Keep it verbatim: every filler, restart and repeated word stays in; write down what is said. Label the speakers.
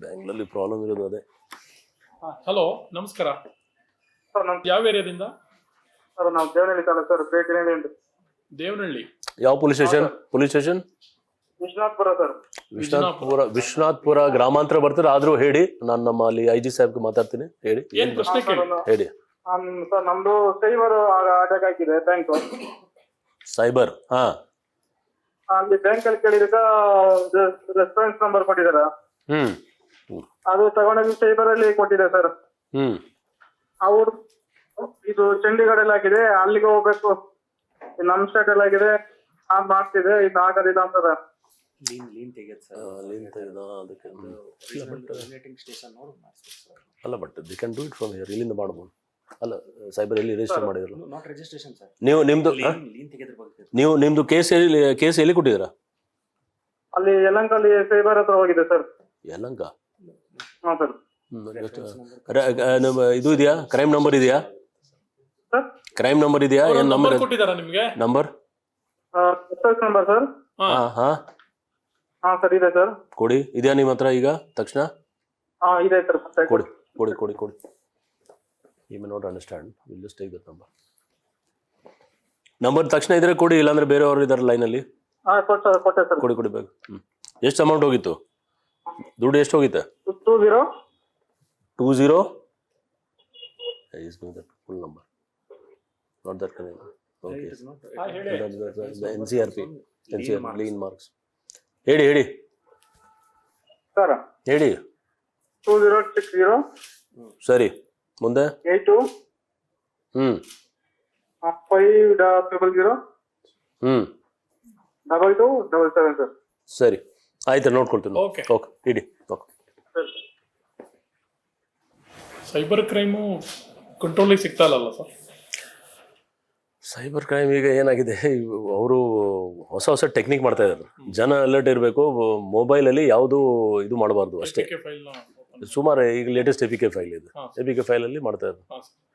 Speaker 1: ಬ್ಯಾಂಗ್ಳೂರಲ್ಲಿ ಪ್ರಾಬ್ಲಮ್ ಇರೋದು ಅದೇ.
Speaker 2: ಹಲೋ ನಮಸ್ಕಾರ
Speaker 3: ಸರ್ ನಮ್
Speaker 2: ಯಾವ ಏರಿಯಾದಿಂದ?
Speaker 3: ಸರ್ ನಾವು ದೇವನಹಳ್ಳಿ ತಾಲೂಕು ಸರ್ ಬೇಕನಹಳ್ಳಿ
Speaker 2: ದೇವನಹಳ್ಳಿ.
Speaker 1: ಯಾವ police station? Police station
Speaker 3: Vishwanathpura sir.
Speaker 1: Vishwanathpura. Vishwanathpura ಗ್ರಾಮಾಂತರ ಬರ್ತಾರೆ, ಆದ್ರೂ ಹೇಳಿ, ನಾನು ನಮ್ಮ ಅಲ್ಲಿ ಐ ಜಿ ಸಾಹೇಬ್ಗೆ ಮಾತಾಡ್ತೀನಿ. ಹೇಳಿ
Speaker 2: ಏನ್ ಪ್ರಶ್ನೆ ಕೇಳಿ.
Speaker 1: ಹೇಳಿ
Speaker 3: ಸರ್ ನಮ್ದು ಸೈಬರ್ ಅಟ್ಯಾಕ್ ಆಗಿದೆ ಬ್ಯಾಂಕ್.
Speaker 1: ಸೈಬರ್. ಹಾ
Speaker 3: ಅಲ್ಲಿ ಬ್ಯಾಂಕ್ ಅಲ್ಲಿ ಕೇಳಿದಾಗ ರೆಸ್ಪಾನ್ಸ್ ನಂಬರ್ ಕೊಟ್ಟಿದಾರ,
Speaker 1: ಹ್ಮ್
Speaker 3: ಅದು ತಗೊಂಡೋಗಿ ಸೈಬರ್ ಅಲ್ಲಿ ಕೊಟ್ಟಿದೆ ಸರ್.
Speaker 1: ಹ್ಮ್
Speaker 3: ಅವ್ರು ಇದು ಚಂಡೀಗಢಲ್ಲಿ ಆಗಿದೆ, ಅಲ್ಲಿಗೆ ಹೋಗ್ಬೇಕು, ನಮ್ ಸ್ಟೇಟ್ ಅಲ್ಲಿ ಆಗಿದೆ, ನಾನ್ ಮಾಡ್ತಿದೆ, ಇದು ಆಗೋದಿಲ್ಲ ಅಂತದ.
Speaker 1: ಅಲ್ಲ but the can do it from here. ಇಲ್ಲಿಂದ ಮಾಡ್ಬೋದು ಅಲ್ಲ? ಸೈಬರ್ ಎಲ್ಲಿ ರಿಜಿಸ್ಟರ್ ಮಾಡಿದ್ರು ನೀವು? ನಿಮ್ದು ನೀವು ನಿಮ್ದು ಕೇಸ್ ಎಲ್ಲಿ ಕೇಸ್ ಎಲ್ಲಿ ಕೊಟ್ಟಿದ್ದೀರಾ?
Speaker 3: ಅಲ್ಲಿ ಯಲಂಕಲ್ಲಿ ಸೈಬರ್ ಹತ್ರ ಹೋಗಿದೆ ಸರ್.
Speaker 1: ಯಲಂಕ?
Speaker 3: ಹಾ ಸರ್.
Speaker 1: ಇದು ಇದೆಯಾ? ಕ್ರೈಮ್ ನಂಬರ್ ಇದೆಯಾ?
Speaker 3: ಸರ್
Speaker 1: ಕ್ರೈಮ್ ನಂಬರ್ ಇದೆಯಾ? ಏನ್ ನಂಬರ್
Speaker 2: ಕೊಟ್ಟಿದಾರ ನಿಮ್ಗೆ?
Speaker 1: Number
Speaker 3: number sir.
Speaker 1: ಹಾ ಹಾ
Speaker 3: ಹಾ ಸರ್ ಇದೆ ಸರ್.
Speaker 1: ಕೊಡಿ. ಇದೆಯಾ ನಿಮ್ಮ ಹತ್ರ ಈಗ ತಕ್ಷಣ?
Speaker 3: ಹಾ ಇದೆ ಸರ್.
Speaker 1: ಕೊಡಿ ಕೊಡಿ ಕೊಡಿ ಕೊಡಿ. You may not understand, will just take that number. Number ತಕ್ಷಣ ಇದ್ರೆ ಕೊಡಿ, ಇಲ್ಲಾಂದ್ರೆ ಬೇರೆಯವರು ಇದಾರೆ ಲೈನಲ್ಲಿ.
Speaker 3: ಹಾ ಕೊಟ್ಟೆ ಕೊಟ್ಟೆ ಸರ್.
Speaker 1: ಕೊಡಿ ಕೊಡಿ ಬೇಗ. ಹ್ಮ್ ಎಷ್ಟು ಅಮೌಂಟ್ ಹೋಗಿತ್ತು? ದುಡ್ಡು ಎಷ್ಟು ಹೋಗಿತ್ತೆ?
Speaker 3: Two zero
Speaker 1: two zero full number not that connect. Okay N C R P N C R lean marks. ಹೇಳಿ ಹೇಳಿ
Speaker 3: ಸರ್.
Speaker 1: ಹೇಳಿ.
Speaker 3: ಟೂ ಜೀರೋ ಸಿಕ್ಸ್ ಜೀರೋ
Speaker 1: ಸರಿ, ಮುಂದೆ
Speaker 3: eight two
Speaker 1: hmm
Speaker 3: five triple zero
Speaker 1: hmm
Speaker 3: double two double seven sir.
Speaker 1: ಸರಿ ಆಯ್ತು, ನೋಡ್ಕೊಳ್ತೀನಿ.
Speaker 2: Okay
Speaker 1: okay ಇಡಿ. Okay.
Speaker 2: Cyber crime ಕಂಟ್ರೋಲಿಗೆ ಸಿಗ್ತಾ ಇಲ್ಲಲ್ಲ ಸರ್?
Speaker 1: ಸೈಬರ್ ಕ್ರೈಮ್ ಈಗ ಏನಾಗಿದೆ, ಅವರು ಹೊಸ ಹೊಸ ಟೆಕ್ನಿಕ್ ಮಾಡ್ತಾ ಇದ್ದಾರೆ. ಜನ ಅಲರ್ಟ್ ಇರಬೇಕು. ಮೊಬೈಲಲ್ಲಿ ಯಾವುದು ಇದು ಮಾಡಬಾರ್ದು ಅಷ್ಟೇ.
Speaker 2: ಫೈಲ್
Speaker 1: ಸುಮಾರು ಈಗ latest A P K file ಇದೆ, ಎ ಪಿ ಕೆ ಫೈಲಲ್ಲಿ ಮಾಡ್ತಾ ಇದ್ದಾರೆ.